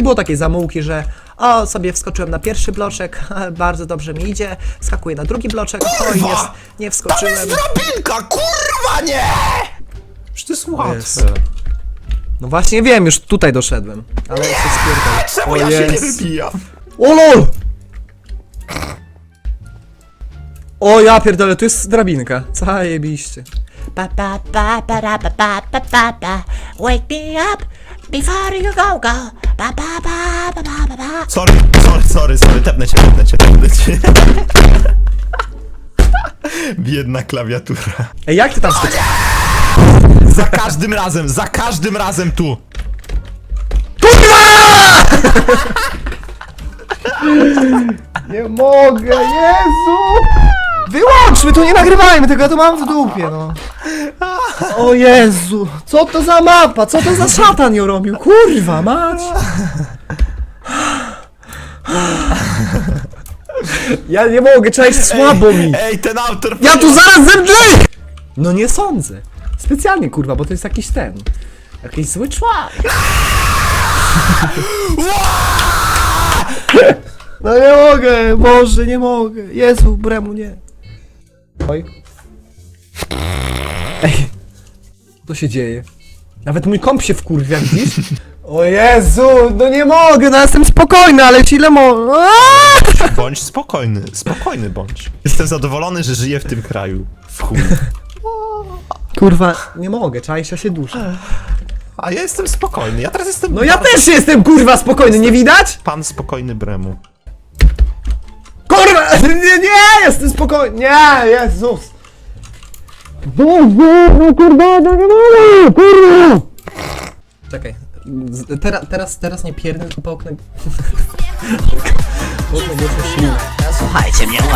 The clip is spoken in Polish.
było takiej zamułki, że o, sobie wskoczyłem na pierwszy bloczek, bardzo dobrze mi idzie, wskakuję na drugi bloczek, oj, nie Tam wskoczyłem. jest drabinka, kurwa nie! Przecież to jest łatwe. Jezu. No właśnie wiem, już tutaj doszedłem, ale się spierdolę. Czemu O ja się nie jest. wybijam? O lol! O ja pierdolę, tu jest drabinka. Zajebiście. Ba ba ba ba da ba ba ba ba ba. Wake me up before you go go. Ba ba ba ba ba ba ba. Sorry, tepnę cię. Biedna klawiatura. Ej, jak ty tam skoczyłeś? Za każdym razem tu. Nie mogę, Jezu! Wyłączmy to, nie nagrywajmy tego, ja to mam w dupie, no. O Jezu, co to za mapa, co to za szatan ją robił, kurwa mać! Ja nie mogę, cześć, słabo mi! Ej, ten autor... Ja tu zaraz zemdleję! No nie sądzę. Specjalnie, kurwa, bo to jest jakiś ten... Jakiś zły człowiek. No nie mogę, Boże, nie mogę. Jezu, Bremu, nie. Oj. Ej. Co się dzieje? Nawet mój komp się wkurwia, widzisz? O Jezu, no nie mogę, no jestem spokojny, ale ile Bądź spokojny bądź. Jestem zadowolony, że żyję w tym kraju. W chuj. Kurwa, nie mogę, czaisz, ja się duszę. A ja jestem spokojny, ja teraz jestem... No ja też jestem, kurwa, spokojny, nie widać? Pan spokojny Bremu. Kurwa, nie, jestem spokojny, nie, Jezus. Kurwa, no nie mogę, kurwa. Czekaj, teraz nie pierdol, tylko połknę... Połknę go ślinę. Słuchajcie mnie